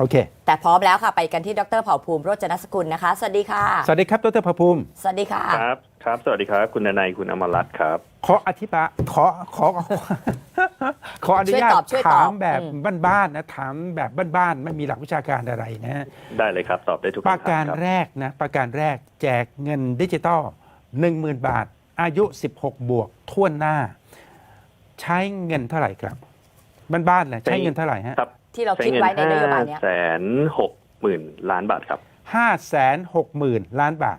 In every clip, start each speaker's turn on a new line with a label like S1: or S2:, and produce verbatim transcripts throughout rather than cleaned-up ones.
S1: โอเค
S2: แต่พร้อมแล้วค่ะไปกันที่ดรเผ่าภูมิโรจนสกุลนะคะสวัสดีค่ะ
S1: สวัสดีครับดรเผ่าภูมิ
S2: สวัสดีค่ะ
S3: ครับครับสวัสดีครับคุณนายคุณอมรรัตน์ครับ
S1: ขออธิบายขอขอขออนุญาตถามแบบบ้านๆนะถามแบบบ้านๆไม่มีหลักวิชาการอะไรนะ
S3: ได้เลยครับตอบได้ทุกคำถาม
S1: ประการแรกนะประการแรกแจกเงินดิจิตอลหนึ่งหมื่นบาทอายุสิบหกบวกทั่วหน้าใช้เงินเท่าไหร่ครับบ้านๆเลยใช้เงินเท่าไหร่ฮะ
S2: ที่เราคิดไว้ในนโยบายนี้
S3: แสนหกหมื่นล้านบาทครับ
S1: ห้าแสนหกหมื่นล้านบาท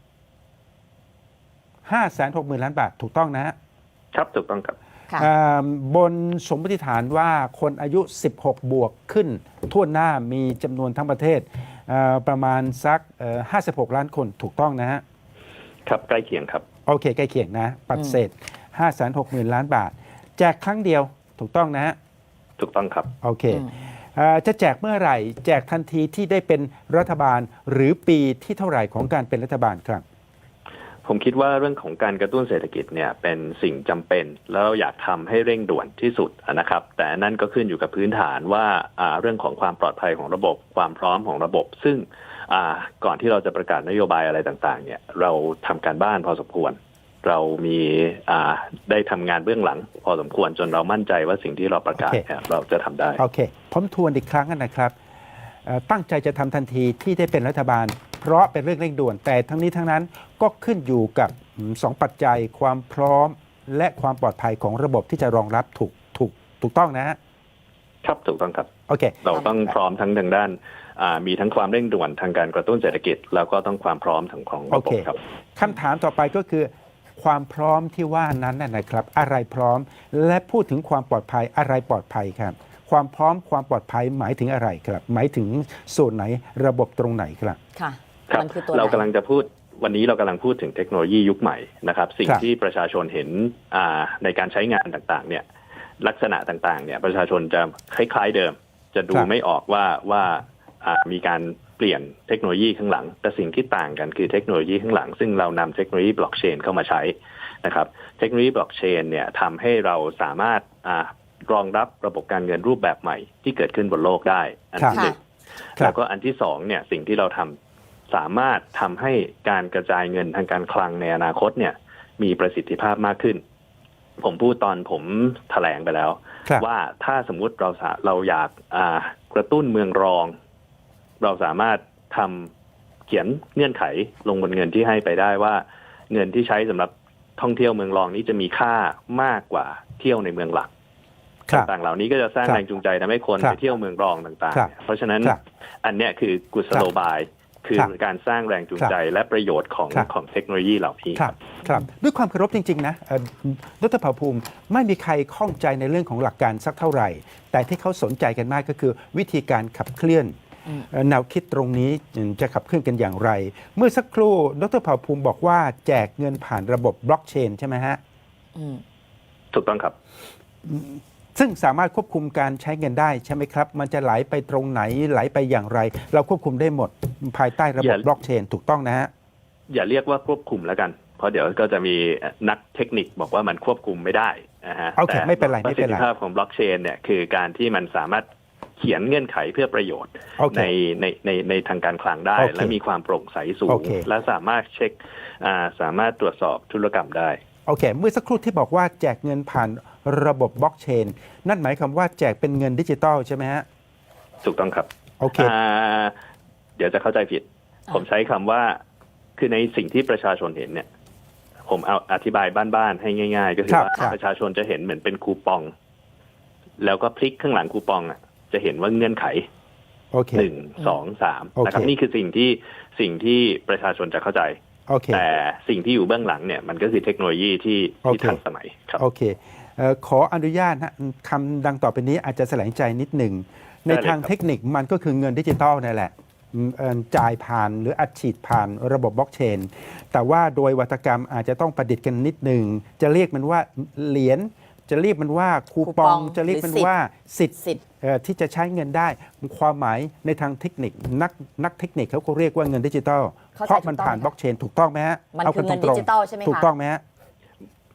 S1: ห้าแสนหกหมื่นล้านบาทถูกต้องนะฮะ
S3: ครับถูกต้องครับ
S1: บนสมมติฐานว่าคนอายุสิบหกบวกขึ้นทั่วหน้ามีจำนวนทั้งประเทศประมาณสักห้าสิบหกล้านคนถูกต้องนะฮะ
S3: ครับใกล้เคียงครับ
S1: โอเคใกล้เคียงนะปัดเศษห้าแสนหกหมื่นล้านบาทแจกครั้งเดียวถูกต้องนะฮะ
S3: ถูกต้องครับ
S1: โอเคจะแจกเมื่อไหร่แจกทันทีที่ได้เป็นรัฐบาลหรือปีที่เท่าไหร่ของการเป็นรัฐบาลครับ
S3: ผมคิดว่าเรื่องของการกระตุ้นเศรษฐกิจเนี่ยเป็นสิ่งจำเป็นแล้วอยากทำให้เร่งด่วนที่สุดนะครับแต่นั่นก็ขึ้นอยู่กับพื้นฐานว่าเรื่องของความปลอดภัยของระบบความพร้อมของระบบ ซึ่งก่อนที่เราจะประกาศนโยบายอะไรต่างๆเนี่ยเราทำการบ้านพอสมควรเรามีได้ทำงานเบื้องหลังพอสมควรจนเรามั่นใจว่าสิ่งที่เราประกาศ okay. เราจะทำได้
S1: โอเคผมทวนอีกครั้งนะครับตั้งใจจะทำทันทีที่ได้เป็นรัฐบาลเพราะเป็นเรื่องเร่งด่วนแต่ทั้งนี้ทั้งนั้นก็ขึ้นอยู่กับสองปัจจัยความพร้อมและความปลอดภัยของระบบที่จะรองรับถูกถูกถูกต้องนะฮะ
S3: ครับถูกต้องครับ
S1: โอเค
S3: เราต้องพร้อมทั้งทางด้านมีทั้งความเร่งด่วนทางการกระตุ้นเศรษฐกิจแล้วก็ต้องความพร้อมทางของระบบครับ
S1: คำถามต่อไปก็คือความพร้อมที่ว่านั้นนะครับอะไรพร้อมและพูดถึงความปลอดภัยอะไรปลอดภัยครับความพร้อมความปลอดภัยหมายถึงอะไรครับหมายถึงส่วนไหนระบบตรงไหนครับ
S2: ค่ะ
S3: ครับเรากำลังจะพูดวันนี้เรากำลังพูดถึงเทคโนโลยียุคใหม่นะครับสิ่งที่ประชาชนเห็นในการใช้งานต่างๆเนี่ยลักษณะต่างๆเนี่ยประชาชนจะคล้ายๆเดิมจะดูไม่ออกว่าว่ามีการเปลี่ยนเทคโนโลยีข้างหลังแต่สิ่งที่ต่างกันคือเทคโนโลยีข้างหลังซึ่งเรานำเทคโนโลยีบล็อกเชนเข้ามาใช้นะครับเทคโนโลยีบล็อกเชนเนี่ยทำให้เราสามารถรองรับระบบการเงินรูปแบบใหม่ที่เกิดขึ้นบนโลกได้อันที่หนึ่งแล้วก็อันที่สองเนี่ยสิ่งที่เราทำสามารถทำให้การกระจายเงินทางการคลังในอนาคตเนี่ยมีประสิทธิภาพมากขึ้นผมพูดตอนผมแถลงไปแล้วว่าถ้าสมมุติเราเราอยากกระตุ้นเมืองรองเราสามารถทำเขียนเงื่อนไขลงบนเงินที่ให้ไปได้ว่าเงินที่ใช้สำหรับท่องเที่ยวเมืองรองนี้จะมีค่ามากกว่าเที่ยวในเมืองหลักต่างๆเหล่านี้ก็จะสร้างแรงจูงใจทำให้คนไปเที่ยวเมืองรองต่างๆเพราะฉะนั้นอันเนี้ยคือกุศโลบายคือการสร้างแรงจูงใจและประโยชน์ของของเทคโนโลยีเหล่านี้
S1: ครับครับด้วยความเคารพจริงๆนะดร.เผ่าภูมิไม่มีใครข้องใจในเรื่องของหลักการสักเท่าไหร่แต่ที่เขาสนใจกันมากก็คือวิธีการขับเคลื่อนแนวคิดตรงนี้จะขับเคลื่อนกันอย่างไรเมื่อสักครู่ดร.เผ่าภูมิบอกว่าแจกเงินผ่านระบบบล็อกเชนใช่ไหมฮะ
S3: ถูกต้องครับ
S1: ซึ่งสามารถควบคุมการใช้เงินได้ใช่ไหมครับมันจะไหลไปตรงไหนไหลไปอย่างไรเราควบคุมได้หมดภายใต้ระบบบล็อกเชนถูกต้องนะฮะ
S3: อย่าเรียกว่าควบคุมแล้วกันเพราะเดี๋ยวก็จะมีนักเทคนิคบอกว่ามันควบคุมไม่ได้นะฮะ
S1: โอเคไม่เป็นไร
S3: ไม่เป็นไรประสิทธิภาพของบล็อกเชนเนี่ยคือการที่มันสามารถเขียนเงื่อนไขเพื่อประโยชน์
S1: okay.
S3: ในในในในทางการคลังได้
S1: okay.
S3: และมีความโปร่งใสสูง
S1: okay.
S3: และสามารถเช็คสามารถตรวจสอบธุรกรรมได้
S1: โอเคเมื่อสักครู่ที่บอกว่าแจกเงินผ่านระบบบล็อกเชนนั่นหมายความว่าแจกเป็นเงินดิจิตอลใช่ไหมฮะ
S3: ถูกต้องครับ
S1: โอเค
S3: เดี๋ยวจะเข้าใจผิดผมใช้คำว่าคือในสิ่งที่ประชาชนเห็นเนี่ยผมเอาอธิบายบ้านๆให้ง่ายๆก็คือว่าประชาชนจะเห็นเหมือนเป็นคูปองแล้วก็พลิกข้างหลังคูปองอ่ะจะเห็นว่าเงื่อนไขหนึ่งสองสามนะครับนี่คือสิ่งที่สิ่งที่ประชาชนจะเข้าใจ
S1: Okay.
S3: แต่สิ่งที่อยู่เบื้องหลังเนี่ยมันก็คือเทคโนโลยีที่
S1: okay.
S3: ที่ทันสมัยครับ
S1: โอเคขออนุญาตนะคำดังต่อไปนี้อาจจะแสลงใจนิดหนึ่งในทางเทคนิคมันก็คือเงินดิจิตอลนั่นแหละจ่ายผ่านหรืออัดฉีดผ่านระบบบล็อกเชนแต่ว่าโดยวัตกรรมอาจจะต้องประดิษฐ์กันนิดหนึ่งจะเรียกมันว่าเหรียญจะเรียกมันว่าคูปองจะเรียกมันว่าสิทธิ์ที่จะใช้เงินได้ความหมายในทางเทคนิคนักนักเทคนิคเขาก็เรียกว่าเงินดิจิตอลเพราะมันผ่านบล็อกเชนถูกต้องไหมฮะ
S2: มันคือเงินดิจิตอลใช่ไหมคะ
S1: ถูกต้องไหมฮะ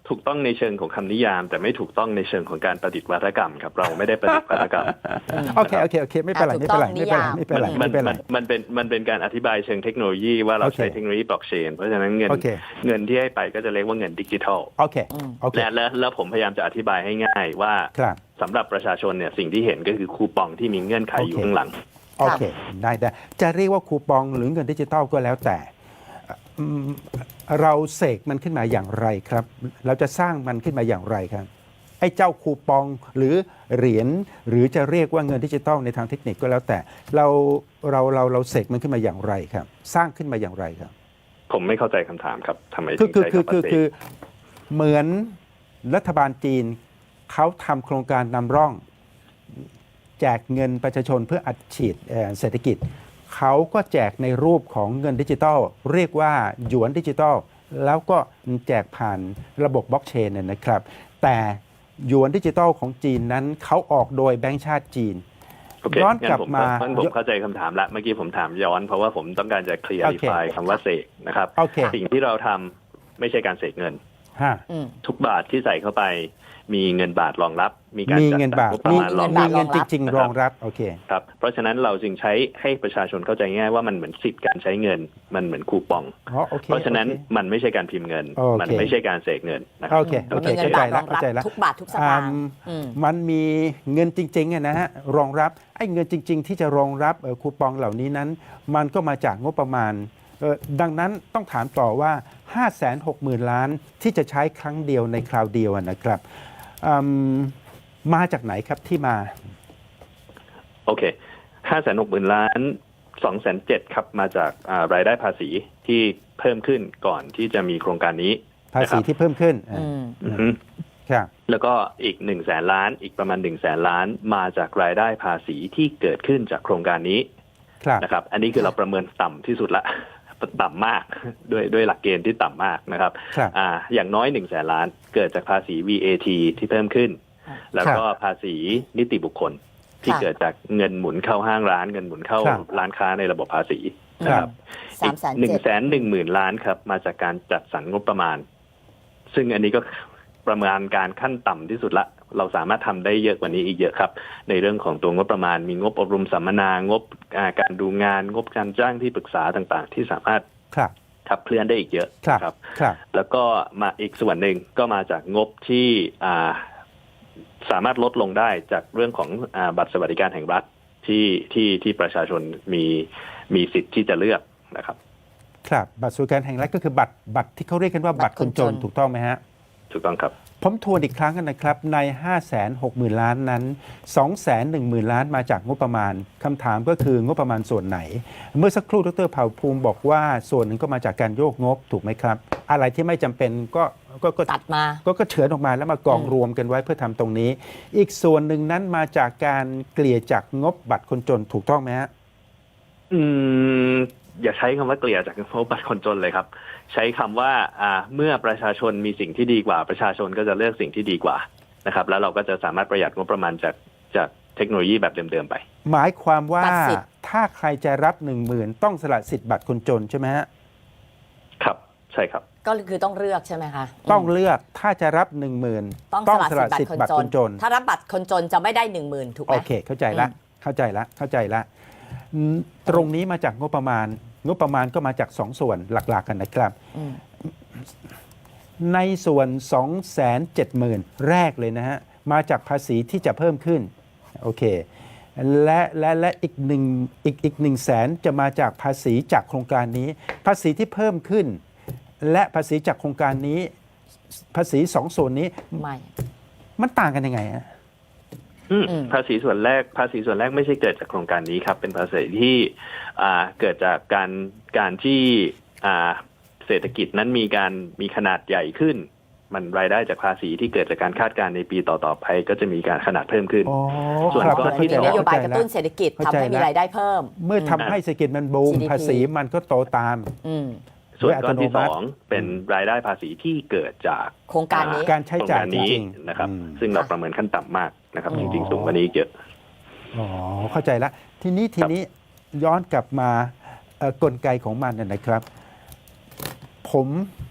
S3: ถูกต้องในเชิงของคำนิยาม แต่ไม่ถูกต้องในเชิงของการประดิษฐ์วาทกรรมครับเราไม่ได้ประดิษฐ์วาทกรรม
S1: โอเคโอเคโอเคไม่เป็นไรไม่เป็นไรไม่เป็นไรไม่เป็นไร
S3: มั
S1: ไม่
S3: น
S1: เป็นไร
S3: มันมันเป็นมันเป็นการอธิบายเชิงเทคโนโลยีว่าเรา
S1: โอเค
S3: ใช้เทคโนโลยีบล็อกเชนเพราะฉะนั้นเงิน
S1: โอเค
S3: เงินที่ให้ไปก็จะเรียกว่าเงินดิจิทัล
S1: โอเคโอเค
S3: และแล้วแล้วผมพยายามจะอธิบายให้ง่ายว่า
S1: ครับ
S3: สำหรับประชาชนเนี่ยสิ่งที่เห็นก็คือคูปองที่มีเงื่อนไขอยู่
S1: โอเค
S3: ข้างหลัง
S1: โอเคได้ได้จะเรียกว่าคูปองหรือเงินดิจิทัลก็แล้วแต่อืมเราเสกมันขึ้นมาอย่างไรครับ เราจะสร้างมันขึ้นมาอย่างไรครับไอ้เจ้าคูปองหรือเหรียญหรือจะเรียกว่าเงินดิจิทัลในทางเทคนิคก็แล้วแต่ เราเราเราเราเสกมันขึ้นมาอย่างไรครับ สร้างขึ้นมาอย่างไรครับ
S3: ผมไม่เข้าใจคำถามครับทำไม
S1: คื
S3: ถึ
S1: อง คือ
S3: ใช้
S1: คือ
S3: คำ
S1: คือ
S3: ว่าเส
S1: คือก เหมือนรัฐบาลจีนเขาทำโครงการนำร่อง แจกเงินประชาชนเพื่ออัดฉีดเอ่อเศรษฐกิจ เขาก็แจกในรูปของเงินดิจิทัล เรียกว่าหยวนดิจิทัล แล้วก็แจกผ่านระบบบล็อกเชนเนยนะครับ แต่หยวนดิจิทัลของจีนนั้นเขาออกโดยแบงก์ชาติจีน
S3: โอเค
S1: ย้อน
S3: งั้
S1: กลับ
S3: ผม
S1: มา
S3: งั้นผมเข้าใจคำถามละเมื่อกี้ผมถามย้อนเพราะว่าผมต้องการจะเคลียร์
S1: โอเค
S3: ไฟคำว่าเสกนะครับ
S1: โอเค
S3: สิ่งที่เราทำไม่ใช่การเสกเงิน
S1: ฮะ
S2: อืม
S3: ทุกบาทที่ใส่เข้าไปมีเงินบาทรองรับ มีการ
S1: มี
S3: จัด
S1: เงิน
S3: สรร
S1: บาท
S3: งบประ
S1: มี
S3: มาณรอง
S1: มี
S3: รับ
S1: เงินจริง ๆ รองรับ โอเค
S3: ครับเพราะฉะนั้นเราจึงใช้ให้ประชาชนเข้าใจง่ายว่ามันเหมือนสิทธิ์การใช้เงิน มันเหมือนคูปอง
S1: อ๋อโอเค
S3: เพราะฉะนั้น
S1: โอเค
S3: มันไม่ใช่การพิมพ์เงิน
S1: โอเค
S3: มันไม่ใช่การเสกเงินนะครั
S1: โอเคโอเค
S2: มีเงิน
S1: เข้าใจ
S2: บาทร
S1: แล้ว
S2: อง
S1: เข้า
S2: รับ
S1: ใจแล้ว
S2: ทุกบาททุกสตางค์
S1: อืม
S2: อืม
S1: มันมีเงินจริงๆอะนะฮะรองรับไอ้เงินจริง ๆ ที่จะรองรับเอ่อคูปองเหล่านี้นั้น มันก็มาจากงบประมาณเอ่อดังนั้นต้องถามต่อว่า ห้าแสนหกหมื่น ล้านที่จะใช้ครั้งเดียวในคราวเดียวอะนะครับอืมมาจากไหนครับที่มา
S3: โอเคห้าแสนหกหมื่นล้านสองแสนเจ็ดครับมาจากอ่ารายได้ภาษีที่เพิ่มขึ้นก่อนที่จะมีโครงการนี้
S1: ภาษีที่เพิ่มขึ้น
S2: อืม
S3: อือฮึ
S1: ครับ
S3: แล้วก็อีกหนึ่งแสนล้านอีกประมาณหนึ่งแสนล้านมาจากรายได้ภาษีที่เกิดขึ้นจากโครงการนี้
S1: ครับ
S3: นะครับ อันนี้คือเราประเมินต่ำที่สุดละ ต่ำมากด้วยด้วยหลักเกณฑ์ที่ต่ำมากนะครับ
S1: ครับ
S3: อ่าอย่างน้อยหนึ่งแสนล้านเกิดจากภาษี วี เอ ที ที่เพิ่มขึ้น
S2: ครับ
S3: แล้วก็ภาษีนิติบุคคล ที่
S2: ค่ะ
S3: เกิดจากเงินหมุนเข้าห้างร้านเงินหมุนเข้า
S1: ครับ
S3: ร้านค้าในระบบภาษี
S1: ค
S3: นะ
S1: รั
S3: ครับ บ
S2: สามแสน
S3: หนึ่ง
S2: เจ็ด
S3: แสนหนึ่งหมื่นล้านครับมาจากการจัดสรรงบประมาณ ซึ่งอันนี้ก็ประมาณการขั้นต่ำที่สุดละ เราสามารถทำได้เยอะกว่านี้อีกเยอะครับ ในเรื่องของตัวงบประมาณ มีงบอบรมสัมมนางบอ่าการดูงานงบการจ้างที่ปรึกษาต่างๆ ที่สามารถ
S1: ครับ
S3: ขับเคลื่อนได้อีกเยอะ
S1: ครับ
S3: นะครับ
S1: ครับ
S3: แล้วก็มาอีกส่วนหนึ่งก็มาจากงบที่อ่าสามารถลดลงได้จากเรื่องของอาบัตรสวัสดิการแห่งรัฐที่ที่ที่ประชาชนมีมีสิทธิ์ที่จะเลือกนะครับ
S1: ครับบัตรสวัสดิการแห่งรัฐก็คือบัตรบัตรที่เขาเรียกกันว่าบัตรคนจนถูกต้องไหมฮะ
S3: ถูกต้องครับ
S1: ผมทวนอีกครั้งกันนะครับ ใน ห้าแสนหกหมื่น ล้านนั้น สองแสนหนึ่งหมื่น ล้านมาจากงบประมาณคำถามก็คืองบประมาณส่วนไหน เมื่อสักครู่ดรเผ่าภูมิบอกว่าส่วนหนึ่งก็มาจากการโยกงบถูกไหมครับ อะไรที่ไม่จำเป็นก็ก็ก็
S2: ตัดมา
S1: ก็ก็เฉือนออกมาแล้วมากอง
S2: อืม
S1: รวมกันไว้เพื่อทำตรงนี้ อีกส่วนหนึ่งนั้นมาจากการเกลี่ยจากงบบัตรคนจนถูกต้องไหมฮะ
S3: อืมอย่าใช้คำว่าเกลี่ยจากงบบัตรคนจนเลยครับ ใช้คำว่าอ่าเมื่อประชาชนมีสิ่งที่ดีกว่า ประชาชนก็จะเลือกสิ่งที่ดีกว่านะครับ แล้วเราก็จะสามารถประหยัดงบประมาณจากจากเทคโนโลยีแบบเดิมๆไป
S1: หมายความว่า
S2: ตัดสิทธิ์
S1: ถ้าใครจะรับหนึ่งหมื่นต้องสละสิทธิ์บัตรคนจนใช่ไหมฮะ
S3: ครับ ใช่ครับ
S2: ก็คือต้องเลือกใช่ไหมคะ
S1: ต้องเลือกถ้าจะรับหนึ่งหมื่น
S2: ต้องสละสิทธิ์บัตรคนจน
S1: น
S2: ถ้ารับบัตรคนจนจะไม่ได้หนึ่งหมื่นถูกไหม
S1: โอเค เข้าใจละ
S2: อืม
S1: เข้าใจละเข้าใจละอืมตรงนี้มาจากงบประมาณ งบประมาณก็มาจากสองส่วนหลักๆกันนะครับ
S2: อืม
S1: ในส่วน สองแสนเจ็ดหมื่น แรกเลยนะฮะ มาจากภาษีที่จะเพิ่มขึ้น โอเค และและและอีกหนึ่งอีกอีกหนึ่งแสนจะมาจากภาษีจากโครงการนี้ ภาษีที่เพิ่มขึ้น และภาษีจากโครงการนี้ ภาษีสองส่วนนี้
S2: ไม่
S1: มันต่างกันยังไงฮะ
S3: อืม
S2: อืม
S3: ภาษีส่วนแรกภาษีส่วนแรกไม่ใช่เกิดจากโครงการนี้ครับ เป็นภาษีที่อ่าเกิดจากการการที่อ่าเศรษฐกิจนั้นมีการมีขนาดใหญ่ขึ้น มันรายได้จากภาษีที่เกิดจากการคาดการณ์ในปีต่อๆไปก็จะมีการขนาดเพิ่มขึ้น
S1: อ๋อ
S3: ส่วน
S1: ครับ
S3: ก้อน
S1: เข้า
S3: ที่
S1: ใจ
S2: มี
S1: แล้ว
S2: นโยบาย
S1: เข้
S2: ก
S1: ใจ
S2: ระ
S1: แล้ว
S2: ตุ้นเศรษฐกิจ
S1: เข้า
S2: ทำ
S1: ใจ
S2: ให้มี
S1: แล้ว
S2: รายได้เพิ่ม
S1: เมื่อทำให้เศรษฐกิจมันบูม
S2: จี ดี พี
S1: ภาษีมันก็โตตาม
S2: อืม
S3: ส่วนก้อนที่
S1: โดยอัตโนมัติ
S3: สองเป็นรายได้ภาษีที่เกิดจาก
S2: โครงการนี้
S1: การใช้จ่าย
S3: โครงกนี้
S1: จริงๆ
S3: นะครับ
S1: อืม
S3: ซึ่งเราประเมินขั้นต่ำมากนะครับ
S1: อ๋อ
S3: จริงๆ สูงกว่านี้อีกเยอะ
S1: อ๋อเข้าใจละทีนี้ทีนี้ย้อนกลับมาเอ่อกลไกของมันนะนะครับ ผม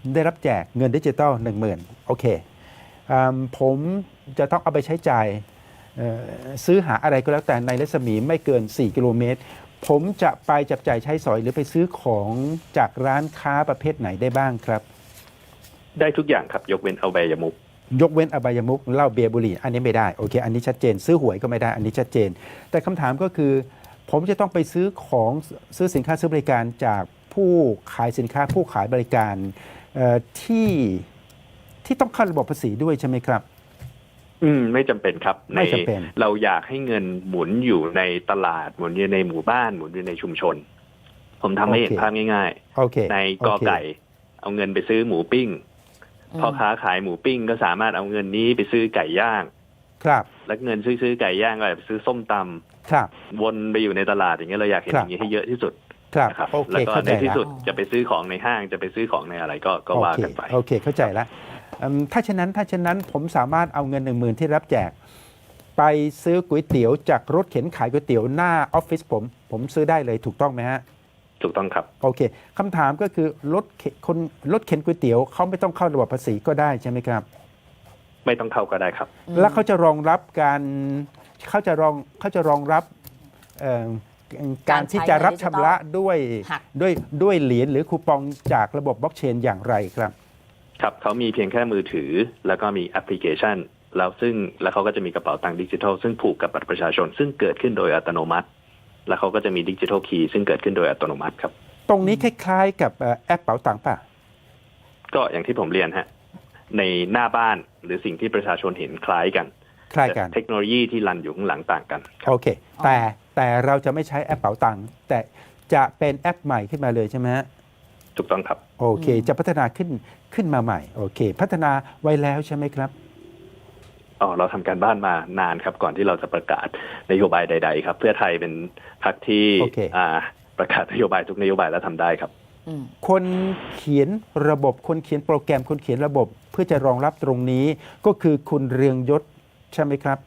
S1: ได้รับแจกเงินดิจิตอลหนึ่งหมื่นโอเคอืมผมจะต้องเอาไปใช้จ่ายเอ่อซื้อหาอะไรก็แล้วแต่ในรัศมีไม่เกิน สี่ กิโลเมตร ผมจะไปจับจ่ายใช้สอยหรือไปซื้อของจากร้านค้าประเภทไหนได้บ้างครับ
S3: ได้ทุกอย่างครับยกเว้นเอาใบยมุก
S1: ยกเว้นอบายมุขเหล้าเบียร์บุหรี่อันนี้ไม่ได้โอเคอันนี้ชัดเจน ซื้อหวยก็ไม่ได้อันนี้ชัดเจน แต่คำถามก็คือ ผมจะต้องไปซื้อของซื้อสินค้าซื้อบริการจากผู้ขายสินค้าผู้ขายบริการเอ่อที่ที่ต้องเข้าระบบภาษีด้วยใช่ไหมครับ
S3: อืมไม่จำเป็นครับ
S1: ไม่จำเป็น
S3: เราอยากให้เงินหมุนอยู่ในตลาดหมุนอยู่ในหมู่บ้านหมุนอยู่ในชุมชน ผมทำให้เห็นภาพง่าย
S1: โอเค
S3: ๆ ในกอไก่ เอาเงินไปซื้อหมูปิ้งพ่อค้าขายหมูปิ้งก็สามารถเอาเงินนี้ไปซื้อไก่ย่าง
S1: ครับ
S3: แล้วเงินซื้อซื้อไก่ย่างก็ไปซื้อส้มตำ
S1: ครับ
S3: วนไปอยู่ในตลาดอย่างเงี้ยเราอยากเห็น
S1: ค
S3: อ
S1: รับ
S3: ย่างนี้ให้เยอะที่สุด
S1: ครับ
S3: นะครับ
S1: โอเค
S3: แล้วก็
S1: เข้า
S3: ใน
S1: ใจ
S3: ที่
S1: ละ
S3: สุดจะไปซื้อของในห้างจะไปซื้อของในอะไรก็ก็ว่ากันไป
S1: โอเคโอเคเข้าใจแล้วอืมถ้าฉะนั้นถ้าฉะนั้นผมสามารถเอาเงินหนึ่งหมื่นที่รับแจก ไปซื้อก๋วยเตี๋ยวจากรถเข็นขายก๋วยเตี๋ยวหน้าออฟฟิศผมผมซื้อได้เลยถูกต้องไหมฮะ
S3: ถูกต้องครับ
S1: โอเคคำถามก็คือรถเข็นคนรถเข็นก๋วยเตี๋ยวเขาไม่ต้องเข้าระบบภาษีก็ได้ใช่ไหมครับ
S3: ไม่ต้องเข้าก็ได้ครับ
S1: แล้วเขาจะรองรับการเขาจะรองเขาจะรองรับเอ่อการที่จะรับชำระด้วย
S2: หัก
S1: ด้วยด้วยเหรียญหรือคูปองจากระบบบล็อกเชนอย่างไรครับ
S3: ครับเขามีเพียงแค่มือถือแล้วก็มีแอปพลิเคชันแล้วซึ่งแล้วเขาก็จะมีกระเป๋าตังค์ดิจิทัลซึ่งผูกกับบัตรประชาชน ซึ่งเกิดขึ้นโดยอัตโนมัติ แล้วเขาก็จะมีดิจิทัลคีย์ซึ่งเกิดขึ้นโดยอัตโนมัติครับ
S1: ตรงนี้คล้ายๆกับเอ่อแอปเป๋าตังค์ป่ะ
S3: ก็อย่างที่ผมเรียนฮะในหน้าบ้านหรือสิ่งที่ประชาชนเห็นคล้ายกัน
S1: คล้ายกัน
S3: แต่เทคโนโลยีที่รันอยู่ข้างหลังต่างกันครับ
S1: โอเค แต่แต่เราจะไม่ใช้แอปเป๋าตังค์แต่จะเป็นแอปใหม่ขึ้นมาเลยใช่ไหมฮะ
S3: ถูกต้องครับ
S1: โอเค จะพัฒนาขึ้นขึ้นมาใหม่โอเค พัฒนาไว้แล้วใช่ไหมครับ
S3: อ๋อเราทำการบ้านมานานครับก่อนที่เราจะประกาศนโยบายใด ๆ ครับ เพื่อไทยเป็นพรรคที่
S1: โอเค
S3: อ่าประกาศนโยบายทุกนโยบายแล้วทำได้ครับ
S2: อืม
S1: คนเขียนระบบคนเขียนโปรแกรมคนเขียนระบบ เพื่อจะรองรับตรงนี้ก็คือคุณเรืองยศใช่ไหมครับ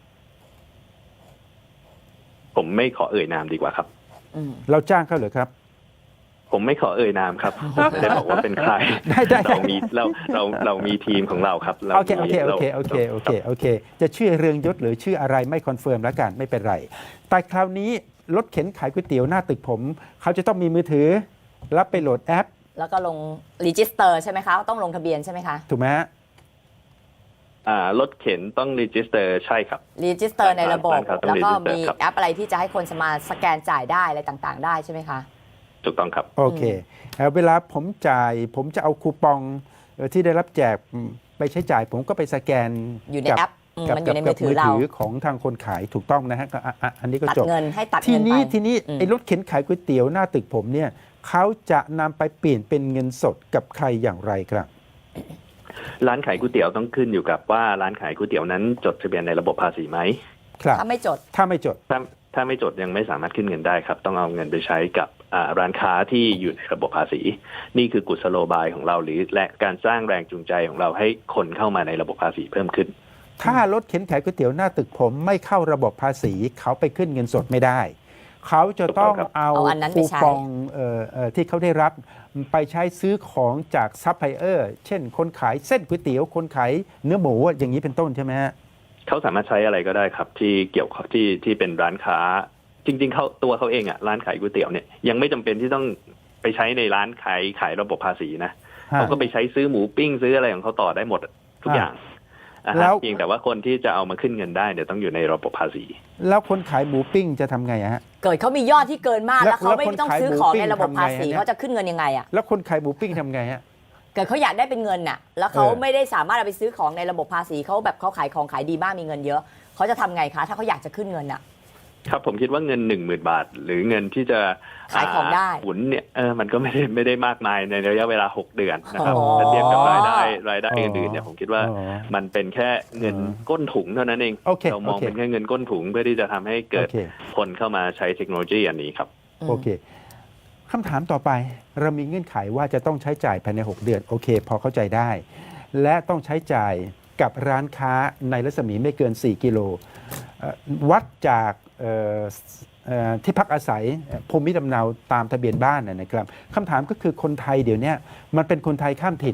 S3: ผมไม่ขอเอ่ยนามดีกว่าครับ
S2: อืม
S1: เราจ้างเขาเหรอครับ
S3: ผมไม่ขอเอ่ยนามครับผมไม่ได้บอกว่าเป็นใคร
S1: ได้ได้
S3: เรามีเราเราเรามีทีมของเราครับรา
S1: โอเคโอเค
S3: มี
S1: โอเค
S3: รา
S1: โอเคโอเคโอเค จะชื่อเรืองยศหรือชื่ออะไรไม่คอนเฟิร์มแล้วกันไม่เป็นไร แต่คราวนี้รถเข็นขายก๋วยเตี๋ยวหน้าตึกผม เขาจะต้องมีมือถือรับไปโหลดแอป
S2: แล้วก็ลงรีจิสเตอร์ใช่ไหมคะ ต้องลงทะเบียนใช่ไหมคะ
S1: ถูกไหมฮะ
S3: อ่ารถเข็นต้องรีจิสเตอร์ใช่ครับ
S2: รีจิสเตอร์ในระบบ
S3: บ้านเขาต้อง
S2: แล้วก็
S3: register
S2: มี
S3: ครับ
S2: แอปอะไรที่จะให้คนสามารถสแกนจ่ายได้อะไรต่างๆ ได้ใช่ไหมคะ
S3: ถูกต้องครับ
S1: โอเคเอ่อเวลาผมจ่ายผมจะเอาคูปองเอ่อที่ได้รับแจกอืมไปใช้จ่าย ผมก็ไปสแกน
S2: อยู่ใน
S1: กับ
S2: แอปอืม
S1: กับ
S2: มันอยู่ใน
S1: กับ
S2: มือถือเรา
S1: มือถือของทางคนขายถูกต้องนะฮะก็อ่ะอ่ะอันนี้ก็
S2: ตัด
S1: จบ
S2: เงินให้ตัด
S1: ที
S2: เงินไป
S1: นี้ทีนี้
S2: อืม
S1: ไอ้รถเข็นขายก๋วยเตี๋ยวหน้าตึกผมเนี่ยเขาจะนำไปเปลี่ยนเป็นเงินสดกับใครอย่างไรครับ
S3: ร้านขายก๋วยเตี๋ยวต้องขึ้นอยู่กับว่าร้านขายก๋วยเตี๋ยวนั้นจดทะเบียนในระบบภาษีไหม
S1: ครับ
S2: ถ้าไม่จด
S1: ถ้าไม่จด
S3: ถ้าถ้าไม่จดยังไม่สามารถขึ้นเงินได้ครับ ต้องเอาเงินไปใช้กับอ่าร้านค้าที่อยู่ในระบบภาษี นี่คือกุศโลบายของเราหรือและการสร้างแรงจูงใจของเราให้คนเข้ามาในระบบภาษีเพิ่มขึ้น
S1: ถ้ารถเข็นขายก๋วยเตี๋ยวหน้าตึกผมไม่เข้าระบบภาษี เขาไปขึ้นเงินสดไม่ได้ เขาจะต้อง
S3: ถูกต้องครับ
S1: เอา
S2: เอาอันนั้นไป
S1: คู
S2: ใช้
S1: ปองเอ่อเอ่อที่เขาได้รับไปใช้ซื้อของจากซัพพลายเออร์เช่น คนขายเส้นก๋วยเตี๋ยวคนขายเนื้อหมูอย่างนี้เป็นต้นใช่ไหมฮะ
S3: เขาสามารถใช้อะไรก็ได้ครับ ที่เกี่ยวข้องที่ที่เป็นร้านค้า จริง ๆเขาตัวเขาเองอ่ะร้านขายก๋วยเตี๋ยวเนี่ยยังไม่จำเป็นที่ต้องไปใช้ในร้านขายขายระบบภาษีนะ
S1: ฮะ
S3: เขาก็ไปใช้ซื้อหมูปิ้งซื้ออะไรของเขาต่อได้หมดทุกอย่างอ่าฮะ
S1: แล้ว
S3: เพียงแต่ว่าคนที่จะเอามาขึ้นเงินได้เนี่ยต้องอยู่ในระบบภาษี
S1: แล้วคนขายหมูปิ้งจะทำไงอะฮะ
S2: เกิดเขามียอดที่เกินมาก
S1: แล้ว
S2: แล้วเขาไม่
S1: แล้วคน
S2: ต้อง
S1: ขาย
S2: ซื้อ
S1: หมู
S2: ของ
S1: ปิ้ง
S2: ในระบบ
S1: ทำไง
S2: ภาษี
S1: ฮะเนี่ย
S2: เขาจะขึ้นเงินยังไงอ่ะ
S1: แล้วคนขายหมูปิ้งทำไงฮะ
S2: เกิดเขาอยากได้เป็นเงินน่ะ แล้วเขา
S1: เออ
S2: ไม่ได้สามารถเอาไปซื้อของในระบบภาษีเขาแบบเขาขายของขายดีมากมีเงินเยอะเขาจะทำไงคะ ถ้าเขาอยากจะขึ้นเงินน่ะ
S3: ครับผมคิดว่าเงินหนึ่งหมื่นบาท หรือเงินที่จะ
S2: ขายของได้
S3: หมุนเนี่ยเออมันก็ไม่ได้ไม่ได้มากมายในระยะเวลาหกเดือนนะครับ
S1: อ๋อ
S3: ถ้าเทียบกับรายได้รายได้อื่นๆเนี่ยผมคิดว่า
S1: อ๋อ
S3: มันเป็นแค่เงิน
S1: อ๋อ
S3: ก้นถุงเท่านั้นเอง
S1: โอเค
S3: เรามอง
S1: โอเค
S3: เป็นแค่เงินก้นถุงเพื่อที่จะทำให้เกิด
S1: โอเค
S3: คนเข้ามาใช้เทคโนโลยีอันนี้ครับ
S1: โอเคคำถามต่อไปเรามีเงื่อนไขว่าจะต้องใช้จ่ายภายใน หก เดือน โอเค พอเข้าใจได้ และต้องใช้จ่ายกับร้านค้าในรัศมีไม่เกิน สี่ กิโลเอ่อวัดจากเอ่อเอ่อที่พักอาศัยเอ่อภูมิลำเนาตามทะเบียนบ้านนะนะครับคำถามก็คือคนไทยเดี๋ยวนี้มันเป็นคนไทยข้ามถิ่น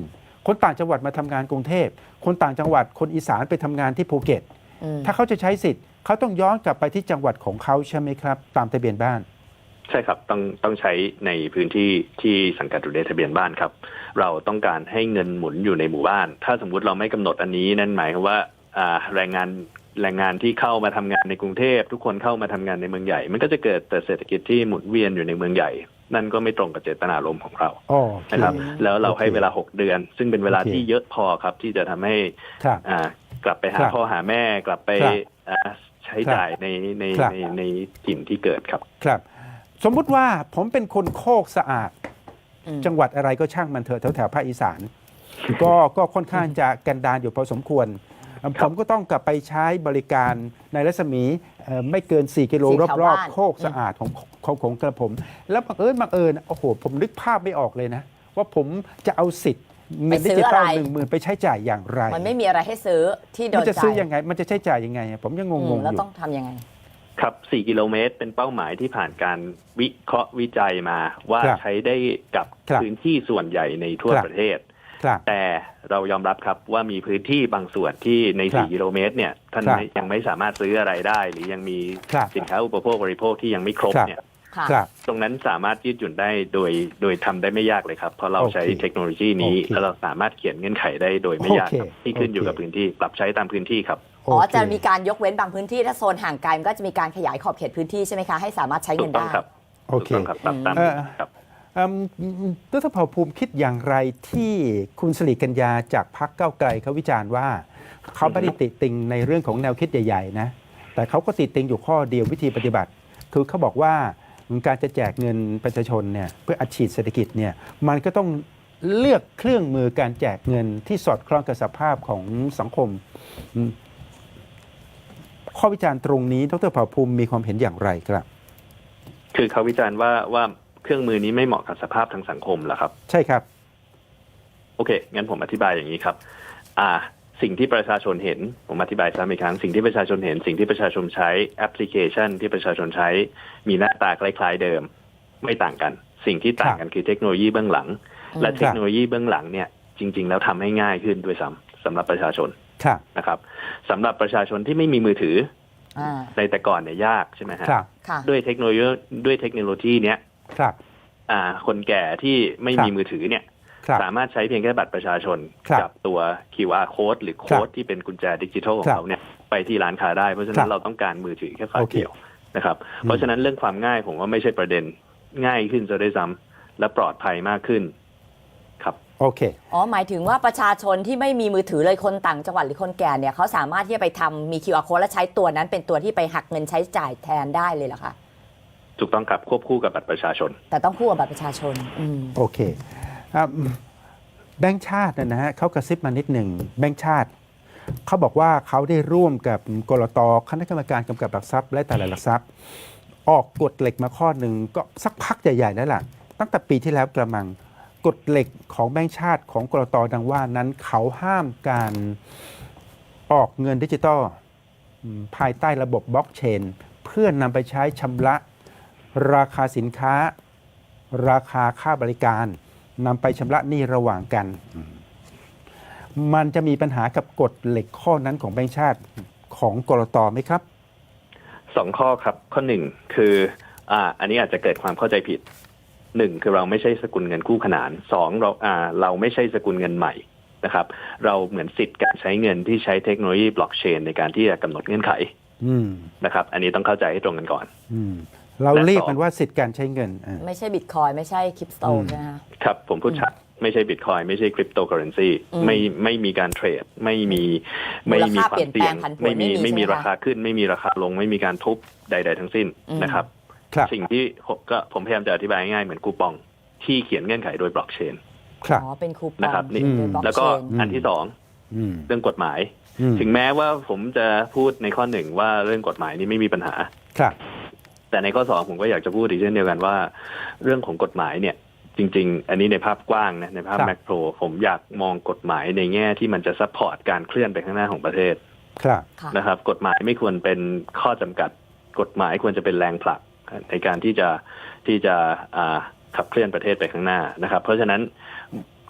S1: คนต่างจังหวัดมาทำงานกรุงเทพคนต่างจังหวัดคนอีสานไปทำงานที่ภูเก็ต
S2: อืม
S1: ถ้าเขาจะใช้สิทธิ์เขาต้องย้อนกลับไปที่จังหวัดของเขาใช่ไหมครับตามทะเบียนบ้าน
S3: ใช่ครับต้องต้องใช้ในพื้นที่ที่สังกัดอยู่ในทะเบียนบ้านครับเราต้องการให้เงินหมุนอยู่ในหมู่บ้าน ถ้าสมมุติเราไม่กำหนดอันนี้นั่นหมายความว่าอ่าแรงงานแรงงานที่เข้ามาทำงานในกรุงเทพทุกคนเข้ามาทำงานในเมืองใหญ่มันก็จะเกิดแต่เศรษฐกิจที่หมุนเวียนอยู่ในเมืองใหญ่นั่นก็ไม่ตรงกับเจตนารมณ์ของเรา
S1: อ๋อ
S3: นะครับแล้วเรา
S1: โอเค
S3: ให้เวลาหกเดือน ซึ่งเป็นเวลา
S1: โอเค
S3: ที่เยอะพอครับที่จะทำให้
S1: ครับ
S3: อ่ากลับไปหา
S1: ครับ
S3: พ่อหาแม่กลับไป
S1: ครับ
S3: อ่าใช้จ่ายในใน
S1: ครับ
S3: ในในถิ่นที่เกิดครับ
S1: ครับ สมมุติว่าผมเป็นคนโคกสะอาด
S2: อืม
S1: จังหวัดอะไรก็ช่างมันเถอะแถวแถวภาคอีสาน ก็ก็ค่อนข้างจะกันดารอยู่พอสมควร ผมก็ต้องกลับไปใช้บริการในรัศมีเอ่อไม่เกิน 4 กิโล
S2: สี่แถว
S1: รอบ
S2: บ้าน
S1: ๆโคกสะอาดของของของกระผม แล้วบังเอิญบังเอิญโอ้โห ผมนึกภาพไม่ออกเลยนะ ว่าผมจะเอาสิทธิ์เงินดิจิตอลหนึ่งหมื่นไปใช้จ่ายอย่างไร
S2: มันไม่มีอะไรให้ซื้อที่โด
S1: มัน
S2: น
S1: จะ
S2: ใจ
S1: ซื้อยังไง มันจะใช้จ่ายยังไง ผมยังง
S2: อื
S1: ง
S2: ม
S1: ๆ
S2: แล้ว
S1: อยู่
S2: ต้องทำยังไง
S3: ครับ สี่ กิโลเมตรเป็นเป้าหมายที่ผ่านการวิเคราะห์วิจัยมาว่า
S1: ครับ
S3: ใช้ได้กับ
S1: ครับ
S3: พื้นที่ส่วนใหญ่ในทั่ว
S1: ครับ
S3: ประเทศ
S1: ครับ
S3: แต่เรายอมรับครับว่ามีพื้นที่บางส่วนที่ใน
S1: ครับ
S3: สี่ กิโลเมตรเนี่ยท่าน
S1: ครับ
S3: ไม่ยังไม่สามารถซื้ออะไรได้ หรือยังมี
S1: ครับ
S3: สินค้าอุปโภคบริโภคที่ยังไม่ครบ
S1: ครับ
S3: เนี่ย
S2: ค่ะ
S1: ครับ
S3: ตรงนั้นสามารถยืดหยุ่นได้โดยโดยทำได้ไม่ยากเลยครับ เพราะเรา
S1: โอเค
S3: ใช้เทคโนโลยีนี้
S1: โอเค
S3: แล้วเราสามารถเขียนเงื่อนไขได้โดยไม่ยากครับ
S1: โอเค
S3: ที่ขึ้นอยู่
S1: โอเค
S3: กับพื้นที่ปรับใช้ตามพื้นที่ครับ
S2: อ๋อ
S1: โเค
S2: จะมีการยกเว้นบางพื้นที่ถ้าโซนห่างไกลมันก็จะมีการขยายขอบเขตพื้นที่ใช่ไหมคะให้สามารถใช้
S3: ถู
S2: เงิ
S3: ก
S2: น
S3: ต้อง
S2: ได้
S3: ครับ
S1: โอ
S3: ถูก
S1: เค
S3: ต้องครับปรับตาม
S1: เอ่อ
S3: ครับ
S1: เอิ่มดรเผ่าภูมิคิดอย่างไรที่คุณสิริกัญญาจากพรรคก้าวไกลเขาวิจารณ์ว่า เขาไม่ได้ติติงในเรื่องของแนวคิดใหญ่ๆนะแต่เขาก็ติติงอยู่ข้อเดียววิธีปฏิบัติ คือเขาบอกว่าการจะแจกเงินประชาชนเนี่ยเพื่ออัดฉีดเศรษฐกิจเนี่ยมันก็ต้องเลือกเครื่องมือการแจกเงินที่สอดคล้องกับสภาพของสังคมอืมข้อวิจารณ์ตรงนี้ดรเผ่าภูมิมีความเห็นอย่างไรครับ
S3: คือเขาวิจารณ์ว่าว่าเครื่องมือนี้ไม่เหมาะกับสภาพทางสังคมเหรอครับ
S1: ใช่ครับ
S3: โอเค งั้นผมอธิบายอย่างนี้ครับ อ่า สิ่งที่ประชาชนเห็น ผมอธิบายซ้ำอีกครั้ง สิ่งที่ประชาชนเห็น สิ่งที่ประชาชนใช้แอปพลิเคชันที่ประชาชนใช้ มีหน้าตาคล้ายๆเดิม ไม่ต่างกัน สิ่งที่ต่างกันคือเทคโนโลยีเบื้องหลัง
S2: อืม
S3: และเทคโนโลยีเบื้องหลังเนี่ยจริง ๆ แล้วทำให้ง่ายขึ้นด้วยซ้ำสำหรับประชาชน
S1: ครับ
S3: นะครับสำหรับประชาชนที่ไม่มีมือถือ
S2: อ่า
S3: ในแต่ก่อนเนี่ยยากใช่ไหมฮะ
S1: ครับ
S2: ค่ะ
S3: ด้วยเทคโนโลยีด้วยเทคโนโลยีเนี้ย
S1: ครับ
S3: อ่า คนแก่ที่ไม่
S1: ครับ
S3: มีมือถือเนี่ย
S1: ครับ
S3: สามารถใช้เพียงแค่บัตรประชาชน
S1: ครับ
S3: กับตัว คิว อาร์ code หรือโค้ดที่เป็นกุญแจดิจิทัลของ
S1: ครับ
S3: เขาเนี่ยไปที่ร้านค้าได้ เพราะฉะ
S1: ครั
S3: นั้น
S1: บ
S3: เราต้องการมือถือแค่ฝา
S1: โอเค
S3: เดียวนะครับ เพราะฉะนั้นเรื่องความง่ายผมว่าไม่ใช่ประเด็นง่ายขึ้นจะได้ซ้ำและปลอดภัยมากขึ้นครับ
S1: โอเค
S2: อ๋อหมายถึงว่าประชาชนที่ไม่มีมือถือเลยคนต่างจังหวัดหรือคนแก่เนี่ยเขาสามารถที่จะไปทำมี คิว อาร์ code และใช้ตัวนั้นเป็นตัวที่ไปหักเงินใช้จ่ายแทนได้เลยเหรอคะ
S3: ถูกต้องครับควบคู่กับบัตรประชาชน
S2: แต่ต้องคู่กับบัตรประชาชน อืม
S1: โอเคอ่ะแบงค์ชาตินะฮะเขากระซิบมานิดหนึ่งแบงค์ชาติ เขาบอกว่าเขาได้ร่วมกับกลตคณะกรรมการกำกับหลักทรัพย์และตลาดหลักทรัพย์ ออกกฎเหล็กมาข้อหนึ่งก็สักพักใหญ่ๆแล้วล่ะ ตั้งแต่ปีที่แล้วกระมังกฎเหล็กของแบงค์ชาติของกลตดังว่านั้นเขาห้ามการออกเงินดิจิตอลอืมภายใต้ระบบบล็อกเชน เพื่อนำไปใช้ชำระราคาสินค้า ราคาค่าบริการนำไปชำระหนี้ระหว่างกัน มันจะมีปัญหากับกฎเหล็กข้อนั้นของแบงก์ชาติของกลตไหมครับ
S3: สองข้อครับ ข้อหนึ่งคืออ่าอันนี้อาจจะเกิดความเข้าใจผิดหนึ่งคือเราไม่ใช่สกุลเงินคู่ขนานสองเราอ่าเราไม่ใช่สกุลเงินใหม่นะครับ เราเหมือนสิทธิ์การใช้เงินที่ใช้เทคโนโลยีบล็อกเชนในการที่จะกำหนดเงื่อนไข
S1: อืม
S3: นะครับ อันนี้ต้องเข้าใจให้ตรงกันก่อน
S1: อืมเราเรียกมันว่าสิทธิการใช้เงินอ่า
S2: ไม่ใช่บิตคอยไม่ใช่คริปโต
S1: อืม
S2: ใช่ไหมคะ
S3: ครับผมพูดชัดไม่ใช่บิตคอยไม่ใช่คริปโตเคอเรนซี
S2: อืม
S3: ไม่ไม่มีการเทรดไม่มีไม่มีความเสี่ยง
S2: มูลค่าเปลี่ยนแปลงผันผวน
S3: ไม่มี
S2: ไม่
S3: ไม่
S2: มี
S3: มี
S2: ใช่ไหมคะ
S3: ราคาขึ้น ไม่มีราคาลง ไม่มีการทุบใด ๆ ทั้งสิ้น
S2: อืม
S3: นะครับ
S1: ครับ
S3: สิ่งที่ผมก็ผมพยายามจะอธิบายง่ายๆเหมือนคูปองที่เขียนเงื่อนไขโดยบล็อกเชน
S1: ครับ
S2: อ๋อเป็นคูปอง
S3: นะครับนี่
S2: โดยบล็อก
S3: แล้วก็
S2: เชน
S3: อันที่สอง
S1: อืม
S3: เรื่องกฎหมาย
S1: อืม
S3: ถึงแม้ว่าผมจะพูดในข้อหนึ่งว่าเรื่องกฎหมายนี้ไม่มีปัญหา
S1: ครับ
S3: แต่ในข้อสองผมก็อยากจะพูดอีกเช่นเดียวกันว่า เรื่องของกฎหมายเนี่ยจริง ๆ อันนี้ในภาพกว้างนะในภาพ
S1: ครับ
S3: แมกโรผมอยากมองกฎหมายในแง่ที่มันจะซัพพอร์ตการเคลื่อนไปข้างหน้าของประเทศ
S1: ครับ
S2: ค่ะ
S3: นะครับกฎหมายไม่ควรเป็นข้อจำกัดกฎหมายควรจะเป็นแรงผลักในการที่จะที่จะอ่าขับเคลื่อนประเทศไปข้างหน้านะครับ เพราะฉะนั้น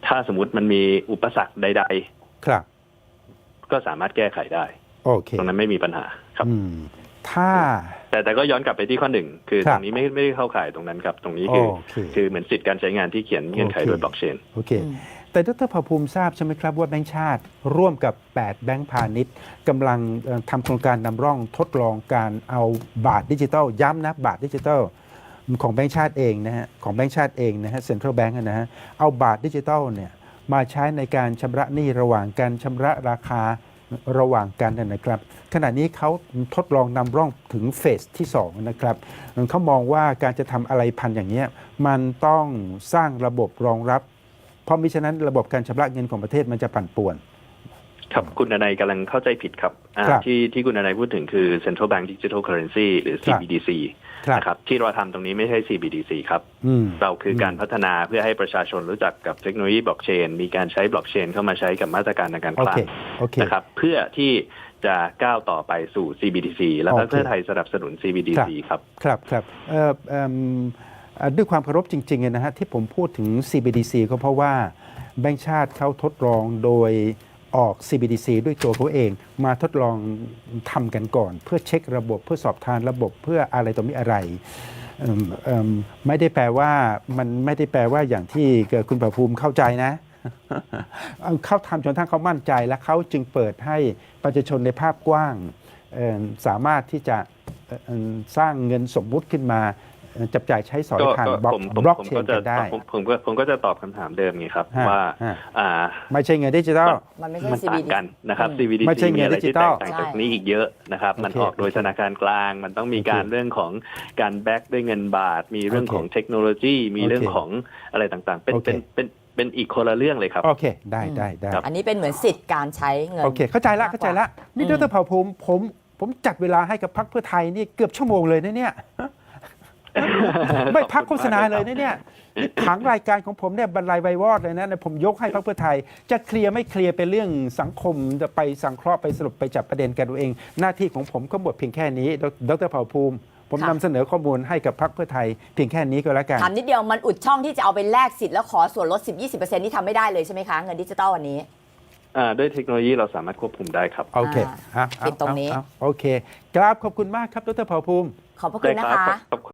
S3: ถ้าสมมติมันมีอุปสรรคใด
S1: ครับ
S3: ๆ ก็สามารถแก้ไขได้
S1: โอเค
S3: ตรงนั้นไม่มีปัญหาครับ
S1: อืมถ้า
S3: แต่แต่ก็ย้อนกลับไปที่ข้อหนึ่งคือ
S1: ค
S3: ต
S1: รั
S3: ร
S1: บ
S3: งนี้ไม่ไม่ได้เข้าข่ายตรงนั้นครับ ตรงนี้คือ
S1: โอเค
S3: คือเหมือนสิทธิการใช้งานที่เขียนเงื่อนไข
S1: โอเค
S3: โดยบล็อกเชน
S1: โอเค
S2: อืม
S1: แต่ดรภาภูมิทราบใช่ไหมครับว่าแบงก์ชาติร่วมกับแปดแบงก์พาณิชย์กำลังเอ่อทำโครงการนำร่องทดลองการเอาบาทดิจิทัลย้ำนะบาทดิจิทัลของแบงก์ชาติเองนะฮะของแบงก์ชาติเองนะฮะเซ็นทรัลแบงก์นะฮะเอาบาทดิจิทัลเนี่ยมาใช้ในการชำระหนี้ระหว่างการชำระราคาระหว่างกันนะนะครับขณะนี้เขาทดลองนำร่องถึงเฟสที่สองนะครับเขามองว่าการจะทำอะไรพันอย่างเนี้ยมันต้องสร้างระบบรองรับ เพราะมิฉะนั้นระบบการชำระเงินของประเทศมันจะปั่นป่วน
S3: ครับคุณนายกำลังเข้าใจผิดครับอ่า
S1: ครับ
S3: ที่ที่คุณนายพูดถึงคือ Central Bank Digital Currency หรือ
S1: ครั
S3: ซี
S1: บ
S3: บี ดี ซี
S1: ครับ
S3: นะครับที่เราทำตรงนี้ไม่ใช่ ซี บี ดี ซี ครับ
S1: อืม
S3: เราคือการพัฒนาเพื่อให้ประชาชนรู้จักกับเทคโนโลยีบล็อกเชนมีการใช้บล็อกเชนเข้ามาใช้กับมาตรการทางการ
S1: โอ
S3: คลั
S1: เค
S3: ง
S1: โอเค
S3: นะครับเพื่อที่จะก้าวต่อไปสู่ ซี บี ดี ซี แล้วก็
S1: โอเค
S3: เพื่อไทยสนับสนุน ซี บี ดี ซี ครับ
S1: ครับครับเอ่อเอิ่มเอ่อด้วยความเคารพจริงๆนะฮะที่ผมพูดถึง ซี บี ดี ซี ก็เพราะว่าแบงก์ชาติเขาทดลองโดยออก ซี บี ดี ซี ด้วยตัวเขาเองมาทดลองทำกันก่อน เพื่อเช็คระบบเพื่อสอบทานระบบเพื่ออะไรต่อมีอะไรเอิ่มเอิ่มไม่ได้แปลว่ามันไม่ได้แปลว่าอย่างที่คุณประภูมิเข้าใจนะ เขาทำจนทั้งเขามั่นใจและเขาจึงเปิดให้ประชาชนในภาพกว้างเอ่อสามารถที่จะเอ่อเอ่อสร้างเงินสมมุติขึ้นมาเอ่อจับจ่ายใช้สอย
S3: ก็
S1: ผ่าน
S3: ก็
S1: บล็อก
S3: ผมผม
S1: บล็อก
S3: ผม
S1: เช
S3: ก็
S1: น
S3: จะ
S1: กันได้
S3: ผมผมก็ผมก็จะตอบคำถามเดิมไงครับ
S1: ฮะ
S3: ว่า
S1: ฮะ
S3: อ่า
S1: ไม่ใช่เงินดิจิทัล
S2: มันไม่ใช่
S3: มัน
S2: ซี
S3: ต่า
S2: บี
S3: ง
S2: ดี
S3: กันนะครับ
S2: อืม
S3: ซี บี ดี
S1: ไม่ใช่
S3: ซี
S1: เงิ
S3: มี
S1: น
S3: อะไร
S1: ดิจิ
S3: ที่
S1: ทั
S3: แต
S1: ล
S3: กต่างจากนี้อีกเยอะนะครับ
S1: โอเค
S3: มันออกโดยธนาคารกลาง มันต้องมี
S1: โอเค
S3: การเรื่องของการแบ็กด้วยเงินบาท มีเรื่อง
S1: โอเค
S3: ของเทคโนโลยี มีเรื่อง
S1: โอเค
S3: ของอะไรต่างๆ เป็น
S1: โอเค
S3: เป็นเป็นเป็นอีกคนละเรื่องเลยครับ
S1: โอเค ได้ได้ได้
S3: ครับ
S2: อันนี้เป็นเหมือนสิทธิ์การใช้เงิน
S1: โอเค เข้าใจละ
S2: มากกว่า
S1: เข้าใจละนี่
S2: อืม
S1: ดรเผ่าภูมิผมผมจัดเวลาให้กับพรรคเพื่อไทยนี่เกือบชั่วโมงเลยนะเนี่ย ไม่พักโฆษณาเลยนะเนี่ยนี่ผังรายการของผมเนี่ยบรรลัยไวยวอดเลยนะเนี่ยผมยกให้พรรคเพื่อไทย จะเคลียร์ไม่เคลียร์เป็นเรื่องสังคมจะไปสังเคราะห์ไปสรุปไปจับประเด็นกันเอาเอง หน้าที่ของผมก็หมดเพียงแค่นี้ดรเผ่าภูมิ ผม
S2: ค่ะ
S1: นำเสนอข้อมูลให้กับพรรคเพื่อไทย เพียงแค่นี้ก็แล้วกัน
S2: ถามนิดเดียวมันอุดช่องที่จะเอาไปแลกสิทธิ์แล้วขอส่วนลด สิบถึงยี่สิบเปอร์เซ็นต์ ที่ทำไม่ได้เลยใช่ไหมคะ เงินดิจิตอลวันนี้
S3: อ่าด้วยเทคโนโลยีเราสามารถควบคุมได้ครับ
S1: โอเค
S2: อ่า
S1: เอาเอา
S2: ปิดตรงนี้
S1: เอาเอาโอเคกราบขอบคุณมากครับดรเผ่าภูมิ
S2: ขอบพระคุณนะ
S3: ได้
S2: คะ
S3: รับขอบ